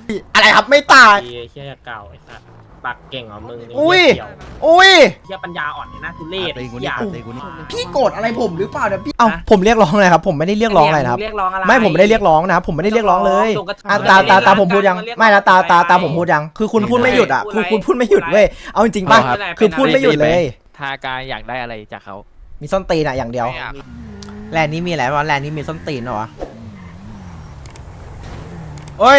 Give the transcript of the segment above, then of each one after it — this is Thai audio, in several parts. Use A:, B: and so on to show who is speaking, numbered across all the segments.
A: อะไรครับไม่ตาย
B: เฮียเก่าไอ้สัสปากเก่งเหรอมึง
A: อุ้ย
B: เหี้เกี่ยว
A: อุ้ย
B: เฮียปัญญาอ่อนเนี่ยน่าทุเรศ
C: ตีกู
B: เหี้
C: นี่
B: ย
C: ตีกูนี่
A: พี่โกรธอะไรผมหรือเปล่าเนี่ยพี่เอ้าผมเรียกร้องอะไรครับผมไม่ได้เรียกร้องอะไรนะครับ
B: เรียกร้องอะไร
A: ไม่ผมไม่ได้เรียกร้องนะครับผมไม่ได้เรียกร้องเลย
B: ตรงกระทู้
A: อ่ะ
B: เรียกร้อง
A: ตาผมพูดยัง
B: เรียกร้อง
A: ไม่นะตา
B: อะไร
A: ผมพูดยังคือคุณพูดไม่หยุดอ่ะ
B: พูดอะไร
A: คุณพูดไม่หยุด
B: พูดอะไร
A: เว้ยเอาจริงๆป่ะ
B: พูดอะไร
A: คือพูดไม่หยุดเลย
D: ทากายอยากได้อะไรจากเขา
A: มีส้นตีนอะอย่างเดียว
D: ไม่อยาก
A: แลนด์นี้มีอะไรวะแลนด์นี้มีส้นตีนเหรอวะเอ้ย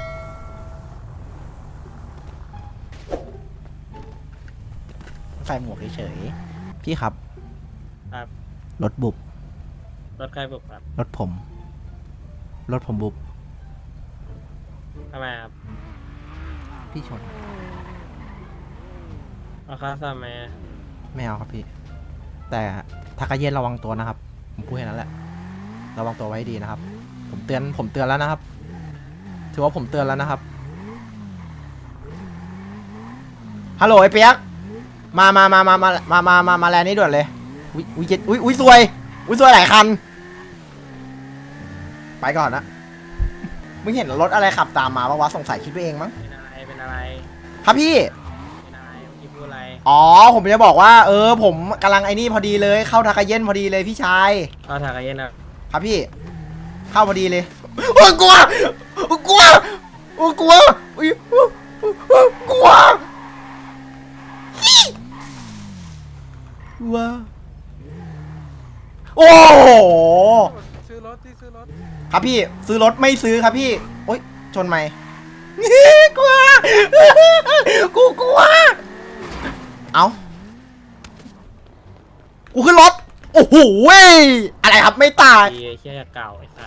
A: ใส่หมวกเฉยๆพี่ครับ
B: ครับ
A: รถบุบ
B: รถใครบุกครับ
A: รถผมบุบ
B: ทำไมครับ
A: พี่ชน
B: เอาค่าซ่อมไหม
A: ไม่เอาครับพี่ แต่ทากาเย็นระวังตัวนะครับ ผมพูดแค่นั้นแหละ ระวังตัวไว้ดีนะครับ ผมเตือนแล้วนะครับ ถือว่าผมเตือนแล้วนะครับ ฮัลโหลไอ้เปียกมาแลนด์นี้ด่วนเลยอุ้ยซวยหลายคัน ไปก่อนนะ มึงเห็นรถอะไรขับตามมาปะวะสงสัยคิดไปเองมั้ง
B: เป็นอะไร
A: ครับพี่
B: เป็นอะไรเมื่อกี้พูดอะไร
A: อ๋อผมจะบอกว่าผมกำลังไอ้นี่พอดีเลยเข้าทากาเย็นพอดีเลยพี่ชาย
B: เข้าทางกันเย็นอ่ะ
A: ครับพี่ เข้าพอดีเลยโอ้ยกลัวกลัวอุ๊ยกลัวโอ้โห
E: ซื้อรถ
A: ครับพี่ซื้อรถไม่ซื้อครับพี่โอ๊ยชนไหมกลัวกูกลัวเอากูขึ้นรถโอ้โหอะไรครับไม่ตาย
B: เฮียเก่าไอ้สัส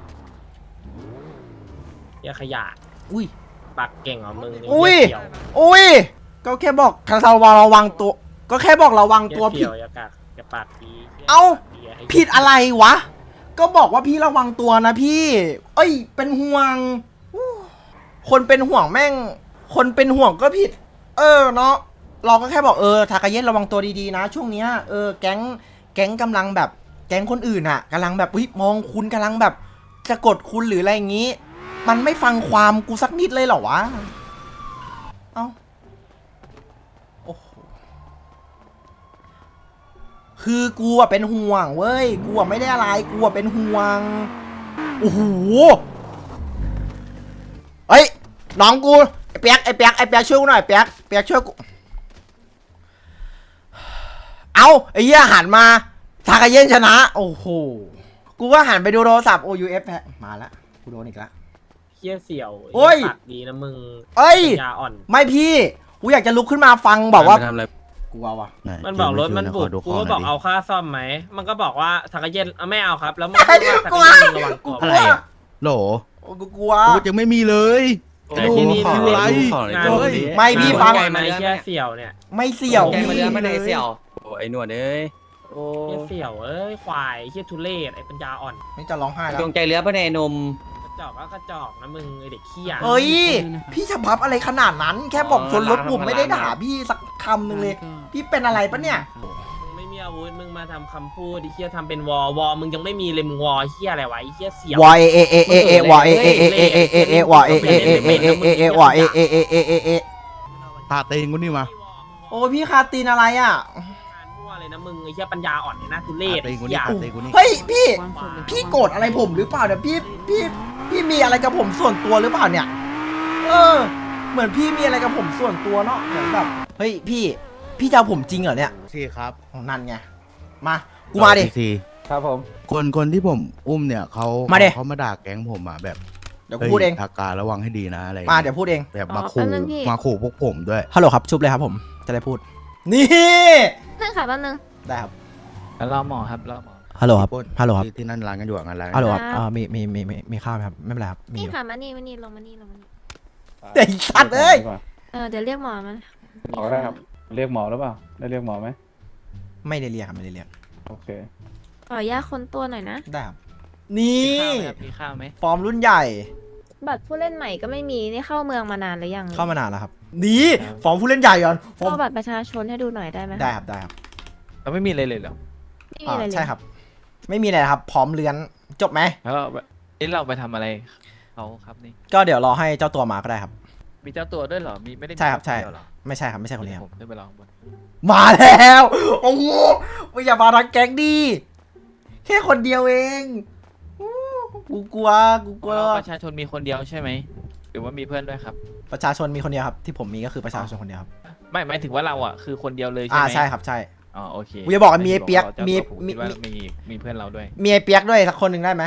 B: เฮียขยะ
A: อุ้ย
B: ปากเก่งเหรอมึง
A: อุ้ย
B: เหี้เกี่ยว
A: อุ้ยก็แค่บอกระวังตัวก็แค่บอกระวังตัว
B: เหี้
A: ผิ
B: ย
A: ด
B: เกี่ยวอย่ากากอย่าปากดีหี้ย
A: เอ้า
B: เหี้ยให้
A: ผิดอะไรวะก็บอกว่าพี่ระวังตัวนะพี่เอ้ยเป็นห่วงคนเป็นห่วงแม่งคนเป็นห่วงก็ผิดเนาะเราก็แค่บอกทากาเย็นระวังตัวดีๆนะช่วงเนี้ยแก๊งกำลังแบบแก๊งคนอื่นอ่ะกำลังแบบมองคุณกำลังแบบจะกดคุณหรืออะไรอย่างงี้มันไม่ฟังความกูสักนิดเลยเหรอวะเอ้าโอ้โหคือกูอะเป็นห่วงเว้ยกูอะไม่ได้อะไรกูอะเป็นห่วงโอ้โหเฮ้ยน้องกูไอ้เปียกช่วยกูหน่อยเปียกช่วยกูเอาไอ้เหี้ยหันมาทากาเย็นชนะโอ้โหกูก็หันไปดูโทรศัพท์ OUF แพ้มาละกูโดนอีกละ
B: เฮียเสี่ยว
A: โอ้ย
B: ปากดีนะมึง
A: เอ้ย
B: ปัญญาอ่อน
A: ไม่พี่กูอยากจะลุกขึ้นมาฟังบอกว่า
C: ทำอะไร
A: กูเอาวะ
B: มันบอกรถมันบุก
C: ดู
B: กู
C: ข้
B: ก็
C: ห
B: บ
C: น่
B: อย ก
C: ดิ
B: เอาค่าซ่อมไหมมันก็บอกว่าทากาเย็นไม่เอาครับ แล้วมึงพูดว่าทากาเย็นมึงระวังตัว
C: อะไรอะโหล
A: โอ้กูกลัว
C: กูยังไม่มีเลย
B: แต่ที่นี่
C: ดู
B: ไม่
C: อะไร
B: งาน
C: เฮ้ย
A: ไม่พี่ฟัง
B: ไงเฮียเสี่ยวเนี่ย
A: ไม่เสี่ยว
F: แก
A: พี่
F: มาเรือไม่ได้เสี่ยว
D: โอ้ไอ้หนวดเอ้ย
F: โอ้
B: เฮียเสี่ยวเอ้ยควายเฮียทุเรศไอ้ปัญญาอ่อน
A: ไม่จะร้องไห้แล้ว
F: จงใจเรือไม่ได้นม
B: กระจอกก็กระจอกนะมึงไอเด็กขี้ยา
A: เฮ้ยพี่จะพับอะไรขนาดนั้น แค่บอกชนรถผมไม่ได้ด่าพี่สักคำหนึ่งเลย พี่เป็นอะไรปะเนี่ย
B: มึงไม่มีอาวุธมึงมาทำคำพูดไอ้เฮียทำเป็นวอมึงยังไม่มีเลยมึงวอเฮียอะไรวะไอ้เฮียเสี่ยว
A: วอวอวอ
C: ตาเตงกูนี่มา
A: โอ้พี่คาตีนอะไรอ่ะ
B: งานมั่วเลยนะมึงไอ้เฮียปัญญาอ่อนเนี่ยน่าทุเรศ
C: ตาเต
B: ไอ้
C: งกู
B: เฮี
C: นี่
B: ย
C: ตาเตงกูนี่
A: เฮ้ยพี่โกรธอะไรผมหรือเปล่าเนี่ยพี่มีอะไรกับผมส่วนตัวหรือเปล่าเนี่ยเหมือนพี่มีอะไรกับผมส่วนตัวเนาะเหมือนแบบเฮ้ยพี่จะเอาผมจริงเหรอเนี่ย
C: สี่ครับ
A: นั่นไงมากูมาดิ
C: สี่
E: ครับผม
C: คนที่ผมอุ้มเนี่ยเขา
A: มาดิ
C: เขามาด่าแก๊งผมอ่ะแบบ
A: เดี๋ยวกูพูดเอง
C: ทาการระวังให้ดีนะอะไร
A: มาเดี๋ยวพูดเอง
C: แบบมาขู่พวกผมด้วย
A: ฮัลโหลครับชุบเลยครับผมจะได้พูดนี่
G: นึงค่ะแป๊บนึง
A: ได้ครับ
D: แล้วรอหมอครับรอหมอ
A: ฮัลโหลครับ
C: ปล้น
A: ฮัลโหลครับ
C: ที่นั่นร้านกันอยู่อะงานร้าน
A: ฮัลโหล
C: กัน
A: ครับมีข้าวไหมครับไม่เป็นไรครับมี
G: นี่ค่ะมานี่ลงมานี่
A: ไอ้สัตว์เอ้ย
G: เดี๋ยวเรียกหมอมา
E: หมอได้ครับ เรียกหมอหรือเปล่า ได้เรียกหมอไหม
A: ไม่ได้เรียกครับไม่ได้เรียก
E: โอเค
G: ขออนุญาตค้นตัวหน่อยนะ
A: ได้ครับนี่
D: มีข้าวไหม
A: ฟอร์มรุ่นใหญ่
G: บัตรผู้เล่นใหม่ก็ไม่มีนี่เข้าเมืองมานานหรือยัง
A: เข้ามานานแล้วครับนี่ฟอร์มผู้เล่นใหญ่ก่อนฟอร์ม
G: เข้าบัตรประชาชนให้ดูหน่อยได้ไหม
A: ได้ครับได้ครับ
D: เราไม่มีอะไรเลยเหรอ
G: ไม่มีอะไรเลย
A: ใช่ครับ ไม่มีอะไรครับพร้อมเรือนจบไหม
D: แล้วเราไปทำอะไรเขาครับนี่
A: ก็เดี๋ยวรอให้เจ้าตัวมาก็ได้ครับ
D: มีเจ้าตัวด้วยเหรอมีไม่ได้มี
A: ใช่ครับใช่
D: เดียวเหรอ
A: ไม่ใช่ครับไม่ใช่คนนี้ครับ
D: ผมขึ้นไปรอข้างบน
A: มาแล้วโอ้โหไม่อย่ามาทักแก๊งดีแค่คนเดียวเองอู้กูกลัว
D: ประชาชนมีคนเดียวใช่ไหมหรือว่ามีเพื่อนด้วยครับ
A: ประชาชนมีคนเดียวครับที่ผมมีก็คือประชาชนคนเดียวครับ
D: ไม่หมายถึงว่าเราอ่ะคือคนเดียวเลยใช่ไหม
A: ใช่ครับใช่
D: อ๋อโอเค
A: กูจะบอกว่ามีไอ้เปี๊ยก
D: ราจะ
A: มี
D: ผมคิดว่ามีเพื่อนเราด้วย
A: มีไอ้เปียกด้วยสักคนหนึ่งได้ไหม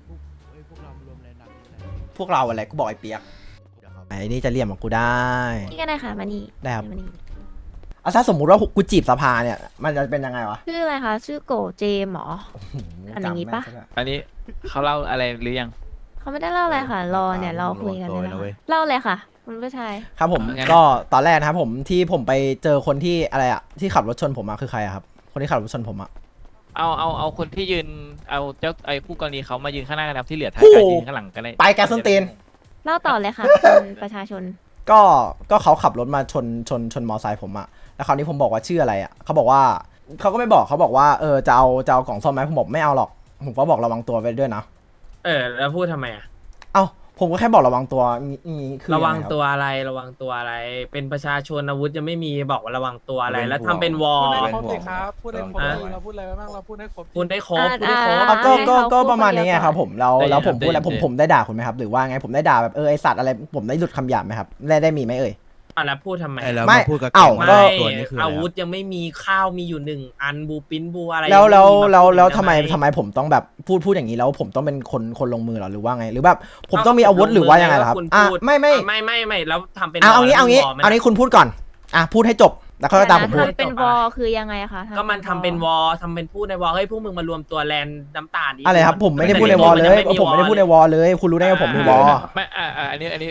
A: พวกเราอะไรกูบอกไอ้เปียกไอ้นี่จะเรียมกับกูได้
G: นี่ก็ได้ค่ะมานี่
A: ได้ครับ
G: มานี่
A: อ่ะถ้าสมมุติว่ากูจีบสภาเนี่ยมันจะเป็นยังไงวะ
G: ชื่ออะไรคะชื่อโกเจมเหรอ อันอย่างงี้ปะ
A: จำแม่นซด้วย
D: อันนี้เขาเล่าอะไรหรือยัง
G: เขาไม่ได้เล่าอะไรค่ะ รอเนี่ยเราคุยกันเลยนะคะเล่าเลยค่ะ คุณผู้ชาย
A: ครับผมก็ตอนแรกนะครับผมที่ผมไปเจอคนที่อะไรอะที่ขับรถชนผมอะคือใครอะครับคนที่ขับรถชนผมอะ
D: เอาคนที่ยืนเอาเจ้าไอ้คู่กรณีเขามายืนข้างหน้ากันครับที่เหลือท้าย
A: โอ้
D: กา
A: โห
D: รยืนข้างหลังกันเลย
A: ไปแกส้นตีน
G: เล่าต่อเลยค่ะ คุณประชาชน
A: ก็เขาขับรถมาชนมอไซค์ผมอะแล้วคราวนี้ผมบอกว่าชื่ออะไรอะเขาบอกว่าเขาก็ไม่บอกเขาบอกว่าจะเอากล่องซ่อมไหมผมบอกไม่เอาหรอกผมก็บอกระวังตัวไปด้วยนะ
B: แล้วพูดทำไมอ่ะ
A: เอ้าผมก็แค่บอกระวังตัวนี่คือ
B: ระวัง
A: ยัไคบ
B: ตัวอะไรระวังตัวอะไร เป็นประชาชนอาวุธยังไม่มีบอกว่าระวังตัวอะไร แล้วทำเป็นวอ
E: พูด
B: ล
E: ให้ครบสิครับพูดให้ครบสิเราพูดอะไรไปบ้างเราพูดให้ครบ
B: พูดได้ครบ
G: อ่า
B: พูดได้ครบ
G: อ่า
A: ก็ประมาณนี้ไงครับผมแล้วผมพูด
D: ได้
A: แล้วผมได้ด่าคุณไหมครับหรือว่าไงผมได้ด่าแบบไอสัตว์อะไรผมได้หลุดคำหยาบไหมครับได้มีไหมเอ่ย
B: แล้วพูดทำไม
C: ไอ้แล้ว
A: ไม่
C: มาพูดกับ
A: เอ้า
C: แก๊ง
A: ก็
C: ว่าตัวนี้คืออะไร
B: อาวุธ
C: ครับ
B: ยังไม่มีข้าวมีอยู่1 อันบูปิ้นบูอะไร
A: แล้ว
B: ยังไม่มี
A: แล้ว
B: าพูด
A: ทำไม
B: ด้ห
A: ผมต้องแบบพูดอย่างนี้แล้วผมต้องเป็นคนลงมือเหรอหรือว่าไงหรือแบบผมต้องมีอาวุธหรือว่ายังไงล่ะครับ
B: คุณ
A: อ่ะ
B: พูด
A: ไม่
B: แล้วทำเป็น
A: เอางี้
B: ว
A: เอางี้คุณพูดก่อนพูดให้จบแล้วค่อยตามผมพูด
G: ทำเป็นวอคือยังไงคะ
B: ก็มันทำเป็นวอลทำเป็นพูดในวอลเฮ้ยพวกมึงมารวมตัวแลนด์น้ำตาลดิ
A: อะไรครับผมไม่ได้พูดในวอลเลยผมไม่ได้พูดในวอลเลย คุณรู้ได้ไงผมมีวอล
D: ไม่อันนี้เดี๋ยว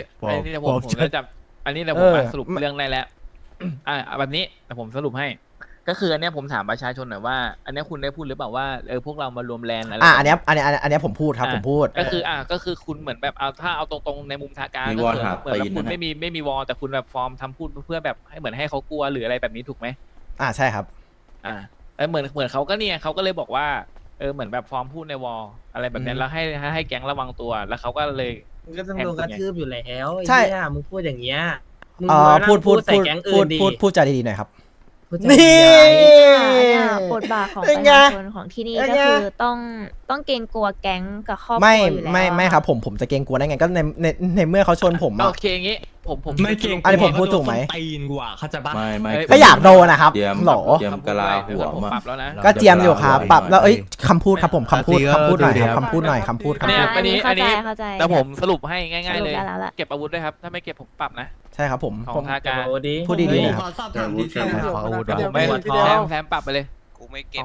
C: ผม
D: ผมจะจับอันนี้เดี๋ยวผม
A: เออ
D: มาสรุปเรื่องได้แล้ว แบบนี้แต่ผมสรุปให้ ก็คืออันเนี้ยผมถามประชาชนหน่อยว่า อันเนี้ยคุณได้พูดหรือเปล่าว่าพวกเรามารวมแลนด์อะไร
A: อันเนี้ยผมพูดครับผมพูด
D: ก็คือคุณเหมือนแบบถ้าเอาตรงๆในมุมทางการ
F: มี
D: ก็
F: วอล
D: คือ
F: หา
D: เหมือนแบบ
F: ตีน
D: คุณ
F: นะ
D: ไม่มีวอลแต่คุณแบบฟอร์มทำพูดเพื่อแบบให้เหมือนให้เขากลัวหรืออะไรแบบนี้ถูกไหม
A: ใช่ครับ
D: เหมือนเขาก็เนี่ยเขาก็เลยบอกว่าเหมือนแบบฟอร์มพูดในวอลอะไรแบบเนี้ยแล้วให้แก๊งระวังตัวแล้วเขาก็เลย
B: มึงก็ต้องโดนกระทืบอยู่แล้ว
A: ใช่
B: ไอ้เหี้ยมึงพูดอย่างเงี้ยมึง
A: พูด
B: ใส่แก๊งอื่นดิ
A: พูดจาดีๆหน่อยครับ
B: พูดจา
A: นี่
B: ดีๆ
G: เนี่ยบทบาทของ
A: เป็
G: ป
A: น
G: ระ
A: ไง
G: ชาชนของที่นี่
A: เป็น
G: ก็
A: ไง
G: คือต้องเกรงกลัวแก๊งกับครอบครัว
A: ไม่
G: อยู่แล้ว
A: ไม่ครับผมจะเกรงกลัวได้ไงก็ในเมื่อเขาชนผม
D: โอ
A: อะ
D: เคอย่างงี้ผม
H: ไม่เก่ง
A: อันนี้ผมพูดถูกไหม
H: ตีนกว่าเขาใจปะ
F: ไม่
A: ก็อยากโดนนะครับ
F: เตรียม
A: หรอ
F: เตรียมกะลาหัว
D: ผม
F: มา
D: ปรับแล้วนะ
A: ก็เจียมอยู่ครับปรับแล้ว
F: ไว้
A: คำพูดครับผมคำพูดหน่อยครับคำพูดหน่อยคำพูด
D: เนี่ย
G: อันนี้
D: อันนี้
G: เข้าใจ
D: แต่ผมสรุปให้ง่าย
G: ส
D: ๆ
G: รุ
D: เล
G: ป
D: ย
G: ได้แล้วล่ะ
D: เก็บอาวุธด้วยครับถ้าไม่เก็บผมปรับนะ
A: ใช่ครับผม
D: ของทางการ
B: โอ้ดี
A: พูดดีๆหน่อย
H: ขอสอบถามดีเทล
C: ขออาวุธ
E: เดี๋ยว
D: ไม่
E: ทีเดียว
D: แซมปรับไปเลย
I: กูไม่เก็บ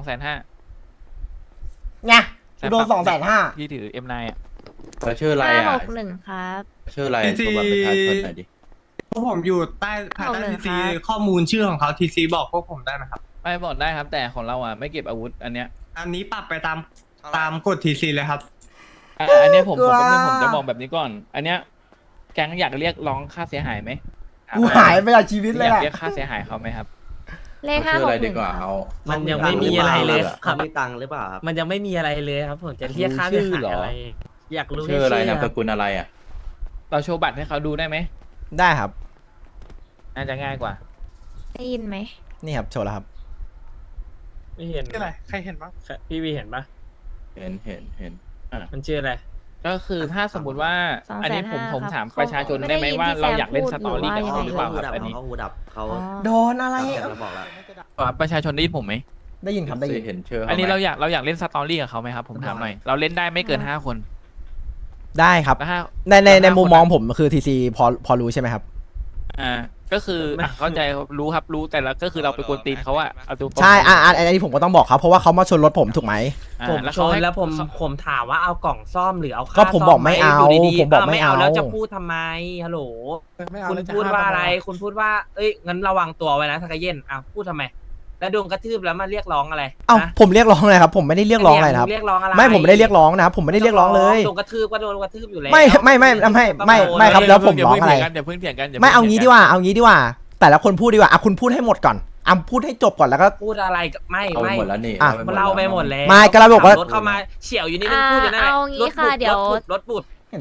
A: ไงกูโดน250,000
D: ที่ถือ M9 อ่ะ
F: แล้วชื่ออะไรอ่ะ
G: 561ครับ
F: ชื่ออะไรตัวบัตรประชาชนหน่อยดิ
H: พวกผมอยู่ภายใต้
G: เอาเลย
H: ทีซี
G: ครับ
H: ข้อมูลชื่อของเขาทีซีบอกพวกผมได้ไหมครับ
D: ไม่บอกได้ครับ แต่ของเราอ่ะไม่เก็บอาวุธอันเนี้ย
H: อันนี้ปรับไปตามกฎทีซีเลยครับ
D: อันเนี้ยผม
A: กลัว
D: ผมจะบอกแบบนี้ก่อน อันเนี้ยแก๊งอยากเรียกร้องค่าเสียหายไหม
A: กูหายไปจากชีวิตเลย
D: อยาก
A: อะ
D: เรียกค่าเสียหายเขาไหมครับ
G: เลข
F: เอาชื่ออะไรดี
G: 561
F: กว่า
G: ครับ
F: เอา
B: มันยังไม่มีอะไรเลยค
I: เขา
B: รับ
I: มีตังค์หรือเปล่าครับ
B: มันยังไม่มีอะไรเลยครับผมจะเรียกค่าเสียหายอะไร อยากรู้
F: ชื่ออะไร
B: แค่
F: นามสกุลอะไรอ่ะ
D: เราโชว์บัตรให้เขาดูได้ไหม
A: ได้ครับ
D: น่าจะง่ายกว่า
G: ได้ยินไหม
A: นี่ครับโชว์แล้วครับ
B: ไม่เห็น
E: ชื่ออะไรใครเห็นบ้าง
B: พี่วีเห็นปะ
F: เห็น
B: มันชื่ออะไร
D: ก็คือถ้าสมมติว่า
G: 250,000
D: อันนี้ผม
G: ครับ
D: ถามประชาชนได้ไหมว่าเราอยากเล่นสตอรี่กับ
G: เขา
D: เขาหรือเปล่า
I: หู
D: ครับ
I: ดับ
D: อันนี้
I: เขาหูดับเขา
G: อ๋อ
A: โดนอะไร
I: เราบอกแล้ว
D: ประชาชนได้ยินผมไหม
A: ได้ยินครับได้ยิน
F: เห็นชื่อเขาไหม
D: อันนี้เราอยากเล่นสตอรี่กับเขาไหมครับผมถามหน่อยเราเล่นได้ไม่เกิน5 คน
A: ได้ครับ
D: แล้วถ้า
A: ในมุมมองผมคือทีซีพอรู้ใช่ไหมครับ
D: ก็คือเข้าใจรู้ครับรู้แต่ละก็คือเราไปกวนตีนเขาอะเอาตัว
A: ใช่อันนี้ผมก็ต้องบอกเขาเพราะว่าเขามาชนรถผมถูกไหม
B: ผมชนแล้วผมถามว่าเอากล่องซ่อมหรือเอาค่า
A: ก็ผมบอกไม่เอา
B: ซ่มหยู่ดีๆ
A: ผมบอกไม่เอา
B: แล้วจะพูดทำไมฮัลโหล
E: ไม่เอา
B: คุณ
E: แล้วจะ
B: พูดว่า
E: ห้ม
B: อะไร คุณพูดว่า เอ้ย งั้นระวังตัวไว้นะทากาเย็นอ่ะพูดทำไม แล้วโดนกระทืบแล้วมาเรียกร้องอะไร
A: เอ้า
B: นะ
A: ผมเรียกร้องอะไรครับ ผมไม่ได้เรียกร้องอะไรนะครับ
B: เรียกร้องอะไร
A: ไม่ผมไม่ได้เรียกร้องนะครับผมไม่ได้เรียกร้องเลย
B: โดนกระทืบก็โดนกระทืบอยู่แล้ว
A: ไม่ครับแล้วผมร้องอะไร
D: อย่าเพิ่งเถียงกัน
A: ไม่เอางี้ดีกว่าเอางี้ดีกว่า แต่ละคนพูดดีกว่าคุณพูดให้หมดก่อนพูดให้จบก่อนแล้วก็
B: พูดอะไรกับไม่
F: เอา
B: ไม่
F: หมดแล้วนี่
B: มันเล่าไปหมดแล้ว
A: ไม่ก็เราบอกว่า
B: ขัรถเข้ามาเฉียวอยู่นี่นึงพูดอยู่นั่นแหละ
G: เอางี้ค่ะเดี๋ยว
B: รถบุด
A: เห็นปะ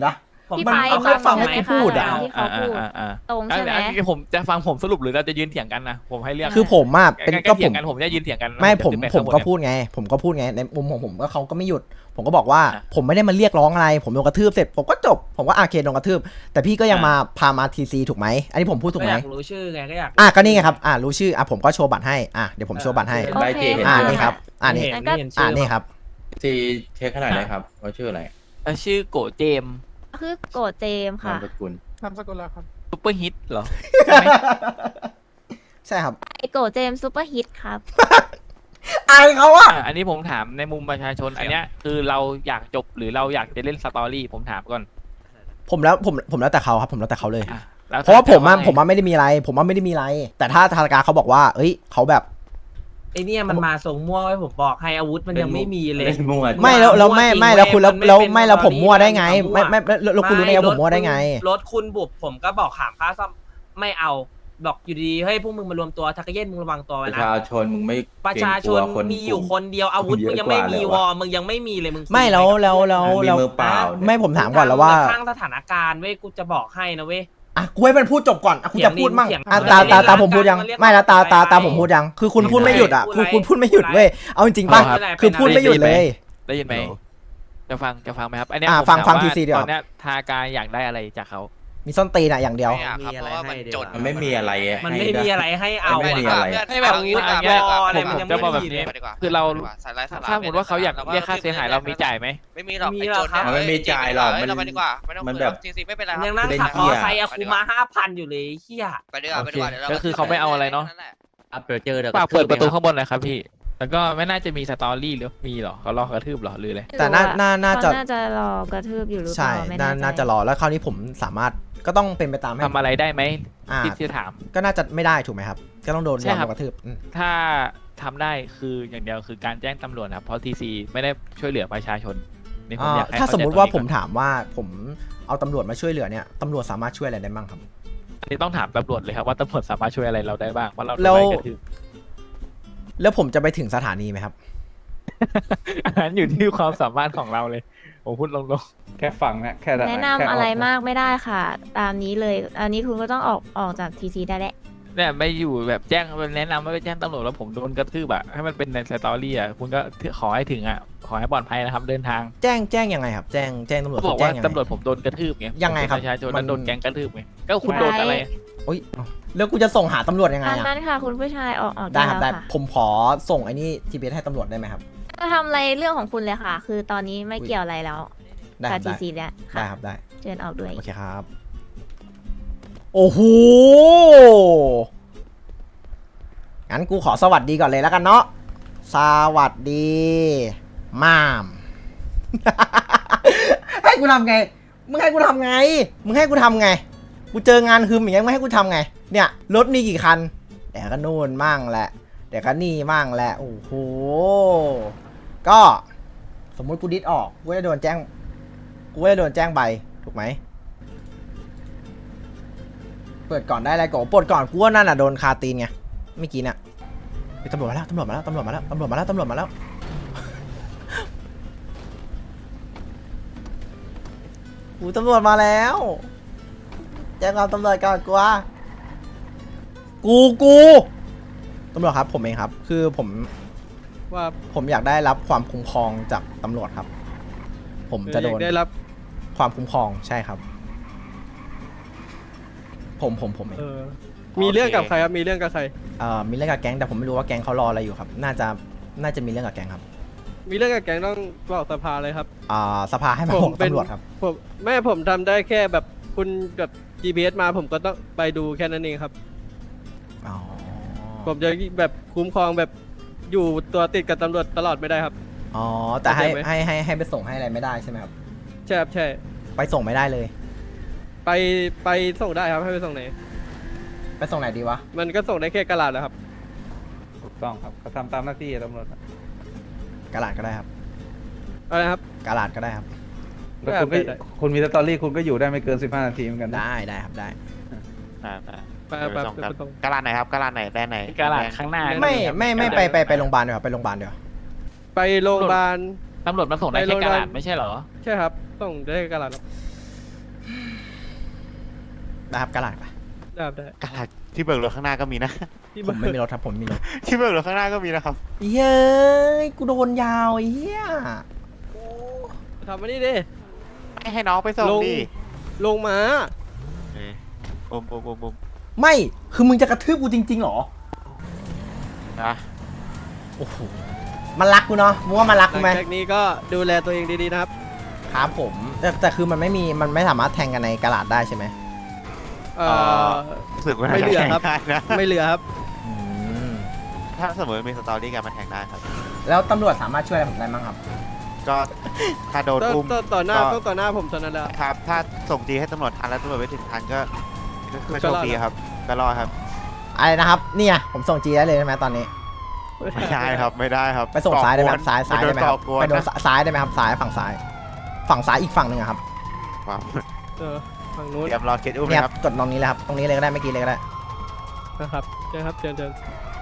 B: ผม
G: พี่
A: มัน
G: ไป
A: เอาแค่ฟังให้กูพูดอะ
G: ที่เขาพูด ตรงใช่ไหม
D: อันนี้ผมจะฟังผมสรุปหรือเราจะยืนเถียงกันนะผมให้เลือก
A: คือผมอ่ะเป็น
D: งั้น
A: ก็
D: เถี
A: ผ
D: ย
A: ม
D: งกันผมจะยืนเถียงกัน
A: ไม่ผม
D: จะ
A: ผม
D: ข้างบน
A: ก็
D: เนี่ย
A: พูดไง ผมก็พูดไงในมุมของผมก็เขาก็ไม่หยุด ผมก็บอกว่าผมไม่ได้มาเรียกร้องอะไร ผมโดนกระทืบเสร็จผมก็จบ ผมก็โอเคโดนกระทืบ แต่พี่ก็ยังมาพามาทีซีถูกไหมอันนี้ผมพูดถูก
B: ก็
A: ไห
B: อ
A: ม
B: ยากรู้ชื่อไงก็อยาก
A: ก็นี่ไงครับรู้ชื่อผมก็โชว์บัตรให้เดี๋ยวผมโชว์บัตรให้
G: โอเค
F: ใบเจเห็น
A: นี่ครับนี่
B: เห็นไม่เห็นชื่อ
A: นี่ครับ
F: ทีเช็คขนาดไหนครับว่าชื่ออะไร
D: ชื่อโกเจมส์
G: คือโกรธเจมส์
F: นา
G: ค่ะ
F: มสกุล
E: นามสกุลแล้วครับ
D: ซุปเปอร์ฮิตเหรอ
A: ใช่ครับ
G: ไอโกรธเจมส์ซูเปอร์ฮิตครับ
A: อายเขาอะ
D: อันนี้ผมถามในมุมประชาชนอันเนี้ยคือเราอยากจบหรือเราอยากจะเล่นสตอรี่ผมถามก่อน
A: ผมแล้วแต่เขาครับ ผมแล้วแต่เขาเลย
D: อ่ะแล้ว
A: เพราะว่าผม
D: ไง
A: ไม่ได้มีอะไร ผมว่าไม่ได้มีอะไร แต่ถ้าธนาคารเขาบอกว่า เอ้ยเขาแบบ
B: ไอเนี่ยมันมาส่งมั่วไว้ผมบอกให้อาวุธมันยังไม่มีเลย
F: เล่นมั่ว
A: ไม่แล้ว
B: มั่วจริง
A: ไม่แล้วคุณ
B: เว้ยมันไม่
A: แล้ว
B: เป็น
A: ไม่แล้วผมมั่วได้ไง
B: ตอนนี้
A: ไม่แล้วคุณรู้ได้ไงผมมั่วได้ไง
B: รถคุณบุบผมก็บอกขามค่าซ่อมไม่เอาบอกอยู่ดีๆเฮ้ยพวกมึงมารวมตัวทักเย็นมึงระวังตัว
F: ป
B: ไว้
F: ระ
B: นะ
F: ชาชนมึงไม่
B: ประชาชนมีอยู่คนเดียวอาวุธมึงยังไม่มีวอมึงยังไม่มีเลยมึงคุย
A: ไม่แล้ว
F: มีมือเปล่า
A: ไม่ผมถามก่อนแล้วว่า
B: ข้างสถานการณ์เว้ยกูจะบอกให้นะเว้ย
A: กูให้มันพูดจบก่อนกูจะพูดมั่ง
B: เถียง
A: ตาผมพูดยังไม่แล้วตาผมพูดยังคือคุณพูดไม่หยุดคุณพูดไม่หยุดเว้ยเอาจริงๆป่ะคือพูดไม่หยุดเลย
D: ได้ยินไหมจะฟังไหมครับอันเนี้ย
A: ฟัง
D: ผมถาม
A: ฟัง
D: ว่า
A: TC ดีกว่า
D: ตอนเนี้ยทากายอยากได้อะไรจากเขา
A: มีส้นตีนอย่างเดียว
I: ไม่อยากครับเพราะว่ามันจน
F: มันไม่มีอะไร
B: มันไม่มีอะไรให้เอา
F: ไม่มี
B: อะ
F: อะไร
D: ให้แบบนี้
I: เอา
D: อย่างเงี้ย
B: อะไรมันยังไม่
D: จะบอกแบบ
B: มี
D: นี้
B: เลย
I: ดีกว่า
D: คือเรา
I: สายไร้สาระ
D: ถ้าสมมติว่าเขาอยากเรียกค่าเสียหายเรามีจ่ายไหม
I: ไม่มีหรอก
B: มี
I: ไอ้
B: หร
I: โจ
B: อก
I: ร
B: ครับ
F: มันไม่มีจ่ายหรอก
I: เราไปดีกว่าไม่ต้อง
F: มัน
I: คุย
F: แบบ
I: จริงๆไม่เป็นไรค
B: ยั
I: รับ
B: งนั่ง
F: เล่น
B: ขับ
F: เหี้
B: มอย ไซค์อะคูมา5,000อยู่เลยเฮีย
I: ไปดีกว่าไปดีกว่าเดี๋ยวเรา
D: ก็คือเขาไม่เอาอะไรเนาะ
F: อัปเจอเดี๋ยว
D: ฝากเปิดประตูข้างบนหน่อยครับพี่ แล้วก็ไม่น่าจะมีสตอรี่หรือมีหรอเขาลอกกระทืบหรอหรืออะไร
A: แต่น่าจะ
G: เขาน่าจะรอกระทืบอยู่หรือเป
A: ใช่
G: ล่าไม่แน่ใจ
A: น่าจะรอแล้วคราวนี้ผมสามารถก็ต้องเป็นไปตามให้
D: ทำอะไรได้ไหม
A: อ่า
D: ที่จะถาม
A: ก็น่าจะไม่ได้ถูกไหมครับ ก็ต้องโดน
D: ใช่ครับ
A: กระทืบ
D: ถ้าทำได้คืออย่างเดียวคือการแจ้งตำรวจครับเพราะทีซีไม่ได้ช่วยเหลือประชาชนนี่ผมอยากให้
A: ถ้า
D: เข้
A: สมมุติ
D: ใจ
A: ว่า
D: ตรงนี้
A: ผม
D: ก่อน
A: ถามว่าผมเอาตำรวจมาช่วยเหลือเนี่ยตำรวจสามารถช่วยอะไรได้บ้างครับ
D: อันนี้ต้องถามตำรวจเลยครับว่าตำรวจสามารถช่วยอะไรเราได้บ้างว่าเราโดน
A: แล้ว
D: ไล่กระทืบ
A: แล้วผมจะไปถึงสถานีไหมครับ
D: อันนั้นอยู่ที่ความสามารถของเราเลยผมพูดลง
E: แค่ฟังนะแค่
G: แนะนำอะไรมากไม่ได้ค่ะ ตามนี้เลย อันนี้คุณก็ต้องออกจากทีซีได้แหละ
D: ๆเนี่ยไม่อยู่แบบแจ้งแนะนำว่าไปแจ้งตำรวจแล้วผมโดนกระทืบอะให้มันเป็นในสตอรี่อะคุณก็ขอให้ถึงอะขอให้ปลอดภัยนะครับเดินทาง
A: แจ้งยังไงครับ แจ้งตำรวจ
D: ก็บอก
A: แจ้
D: ว่าง
A: ยังไง
D: ตำรวจผมโดนกระทืบไง
A: ยังไงครับ
D: ผมเป็นประชาชน
A: มั
D: แล้ว
A: น
D: โดนแก๊งกระทืบไงก็คุณโดนอะไร
A: โอ๊ยแล้วกูจะส่งหาตำรวจยังไง
G: ตาม
A: อะ
G: นั้นค่ะ คุณผู้ชายออก
A: ได้
G: ได้
A: ครับ
G: แล้ว
A: ได้
G: ค่ะ
A: ผมขอส่งไอ้นี่ GPS ให้ตำรวจได้ไหมครับ
G: จะทำอะไรเรื่องของคุณเลยค่ะ คือตอนนี้ไม่เกี่ยวอะไรแล้ว
A: ได้ค
G: กั
A: รั
G: บบ ที
A: ได้
G: ซีแล้ว
A: ได้
G: ค่ะ
A: ครับได้
G: เชิญออกด้วย
A: โอเคครับ โอ้โห งั้นกูขอสวัสดีก่อนเลยแล้วกันเนาะ สวัสดีมาม ให้กูทำไง มึงให้กูทำไง มึงให้กูทำไง กูเจองานคืมอย่างเงี้ยมึงให้กูทำไง เนี่ยรถมีกี่คันเดี๋ยวก็นู่นมั่งแหละเดี๋ยวก็นี่มั่งแหละ โอ้โห ก็สมมุติกูดิสออก กูจะโดนแจ้งใบ ถูกไหม เปิดก่อนได้อะไรก่อนปลดก่อนกูว่านั่นน่ะโดนคาตีนไงเมื่อกี้น่ะเฮ้ยตำรวจมาแล้วตำรวจมาแล้วตำรวจมาแล้วตำรวจมาแล้วตำรวจมาแล้วหูตำรวจมาแล้วแจ้งความตำรวจก่อนกูว่ากูตำรวจครับผมเองครับ คือผมอยากได้รับความคุ้มครองจากตำรวจครับ ผมจะโดนได้รับความคุ้มครองใช่ครับ ผมเอง
E: มีเรื่องกับใครครับมีเรื่องกับใคร
A: มีเรื่องกับแก๊งแต่ผมไม่รู้ว่าแก๊งเขารออะไรอยู่ครับ น่าจะมีเรื่องกับแก๊งครับ
E: มีเรื่องกับแก๊งต้องบอกสภาเลยครับ
A: สภาให้มาบอกตำรวจครับ
E: ผมทำได้แค่แบบคุณแบบ GPS มาผมก็ต้องไปดูแค่นั้นเองครับ
A: อ๋อ
E: ผมจะแบบคุ้มครองแบบอยู่ตัวติดกับตำรวจตลอดไม่ได้ครับ
A: อ๋อแต่ให้
E: เข้าใจไหม
A: ให้ไปส่งให้อะไรไม่ได้ใช่ไหมครับ
E: ใช่ครับใช่
A: ไปส่งไม่ได้เลย
E: ไปส่งได้ครับให้ไปส่งไหน
A: ไปส่งไหนดีวะ
E: มันก็ส่งได้แค่กระดาษแหละครับ
J: ถูกต้องครับเขาทำตามหน้าที่ตำรวจ
A: กระดาษก็ได้ครับ
E: อะไรครับ
A: กระดาษก็ได้ครับ
J: แล้วคุณก็
E: ได้
J: คุณมีสตอรี่คุณก็อยู่ได้ไม่เกิน15 นาทีเหมือนกันนะ
A: ได้ครับได้
E: ไปไปตรง
I: กระลาไหนครับกระลาไหนได้ไหน
D: กระดาษข้างหน้า
A: ไม่ไปโรงพยาบาลเดี๋ยวาไปโรงพยาบาลเดี๋ยวา
E: ไปโรงพยาบาล
D: ตำรวจมาส่งได้แค่กระดาษไม่ใช่เหรอ
E: ใช่ครับส่งได้แค่กระดาษครับ
A: นะครับกระดาษไป
E: ได้ครับได้
I: กระดาษที่เบิกรถข้างหน้าก็มีนะ
E: ที่
A: ผมไม่มีรถครับผมมีรถ
I: ที่เบิกรถข้างหน้าก็มีนะครับ
A: เย้ยกูโดนยาวไอ้เหี้ย
E: ทำมานี่ดิ
I: ไม่ให้น้องไปส่ง
E: ลง
I: ดิ
E: ลงมา
I: อม
A: ไม่คือมึงจะกระทืบกูจริงๆเหรอ
I: นะ
A: โอ้โหมันรักกูเนาะมึงว่ามันรัก
E: ห
A: กู
E: ลัง
A: ไหม
E: จากนี้ก็ดูแลตัวเองดีๆนะครับ
A: ครับผมแต่คือมันไม่สามารถแทงกันในกระดาษได้ใช่ไหม
I: รู้สึกว่า
E: ไม่เหลือครับ
I: แทงได้นะ
E: ไม่เหลือครับ
A: อืม
I: ถ้าสมมติมีสตอรี่กันมาแทงได้ครับ
A: แล้วตำรวจสามารถช่วยอะไรผมได้บ้างครับ
I: ก็ถ้าโดนอุ้ม
E: ต่อหน้าต้องต่อหน้าผมเท่านั้นแหละ
I: ครับ ถ้าส่งจีให้ตำรวจทันแล้วตำรวจไปถึงทันก็โชคดีครับ ก็รอดครับ
A: อะไรนะครับเนี่ยผมส่งจีได้เลยใช่ไหมตอนนี้
I: ไม่ได้ครับไม่ได้ครับ
A: ไปส่งซ้ายได้ไหมครับซ้ายได้ไหมครับ
I: ก่อกวน
A: ไปโดน
I: นะ
A: ซ้ายได้ไหมครับซ้ายฝั่งซ้ายอีกฝั่งหนึ่งอะครับ
I: ครับ
E: ฝั่งนู้น
I: เตรียมรอเคสอุ้ม
A: เนี่ย
I: นะ
A: ค
I: ค
A: รั
I: รั
A: บบ กดตรงนี้เลยครับตรงนี้เลยก็ได้เมื่อกี้เลยก็ได้
E: นะครับเชิญครับเชิญ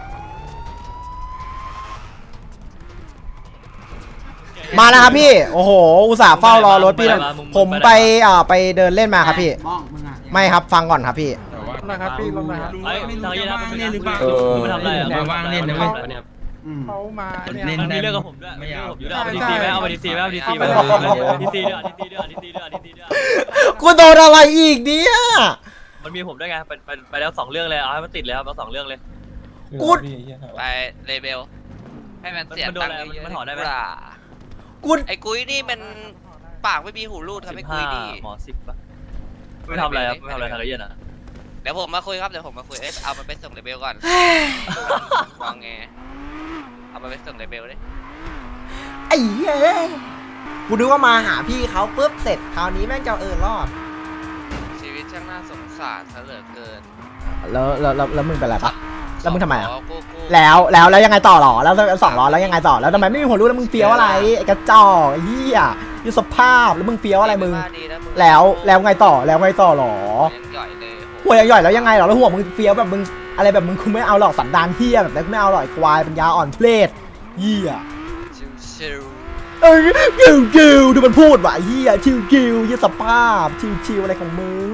A: มาแล้วครับพี่โอ้โหอุตส่าห์เฝ้ารอรถพี่นะผมไปไปเดินเล่นมาครับพี่ไม่ครับฟังก่อนครับพี่
J: นะครับพี่ลงนะครับ
B: เฮ้ยทางนี้นะมันเป็นหรือเปล่า
J: เออ
B: มึงไปทำอะไรอ่ะ
J: ว่างเล่นนะเว้ย เขามา
B: มันมีเรื่องกับผมด้วยมีเรื่องกับผมอยู่ด้วยเอาไปดีซีไหมเอาไปดีซีไหมเอาไปดีซีไหมดีซีด้วยดีซีด้วยดีซีด้วยดีซีด้วย
A: กูโดนอะไรอีกเนี่ย
B: มันมีผมด้วยไงไปแล้ว2 เรื่องเลยเอาให้มันติดเลยครับเอา2 เรื่องเลย
A: กู
I: ไปเลเบลให้มันเสีย
B: มันโดน
I: ตัง
B: อะไร
I: ค์เยอะ
B: มันถอนได้ไหม
A: กู
I: ไอ้กุ้ยนี่มันปากไม่มีหูรูดทำให้กุ้ยดี
B: หมอ10ป่ะไม่ทำอะไรครับไม่ทำอะไรทางเย็นอ่ะ
I: เดี๋ยวผมมาคุยครับเดี๋ยวผมมาคุยเอามันไปส่งเลเบลก่อนวางไงเอามันไปส่งเลเบลดิ
A: ไอ้เหี้ยกูนึกว่ามาหาพี่เขาปุ๊บเสร็จคราวนี้แม่งจะรอด
I: ชีวิตช่างน่าสงสารซะเหลือเกิน
A: แล้วมึงเป็นอะไรปะ แล้วมึงทำไมอะ
I: กู
A: แล้วยังไงต่อหรอแล้ว200แล้วยังไงต่อแล้วทำไมไม่มีหัวรู้แล้วมึงเฟี้ยวอะไรไอ้กระจอกไอ้เหี้ยยูสภาพแล้วมึงเฟี้ยวอะไรมึง
I: ดีนะมึง
A: แล้วไงต่อหรอ
I: ยังหย่อยเลย
A: หัวย่อยแล้วยังไงหรอแล้วหัวมึงเฟี้ยวแบบมึงอะไรแบบมึงคุณไม่เอาหรอกสันดานเหี้ยแบบนั้นกูไม่เอาหรอกไอ้ควายปัญญาอ่อนเพลทเหี้ย
I: ชิว
A: เอ้ยกิวดูมันพูดว่ะไอ้เหี้ยชิวเหี้ยสภาพชิวอะไรของมึง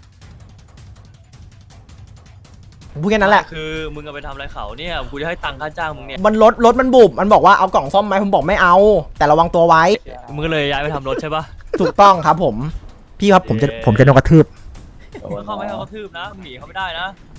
A: พูดแค่นั้นแหละ
B: คือมึงเอาไปทำอะไรเขาเนี่ยกูจะให้ตังค่าจ้างมึงเนี่ย
A: มันรถมันบุบมันบอกว่าเอากล่องซ่อมไหมผมบอกไม่เอา แต่ระวังตัวไว้
B: มึงก็เลยย้ายไปทำรถใช่ปะ
A: ถูกต้องครับผมพี่ครับผมจะโดนกระทืบ
B: มึงเข้าไม่ให้เขากระทืบนะมึงหนีเขาไม่ได้นะ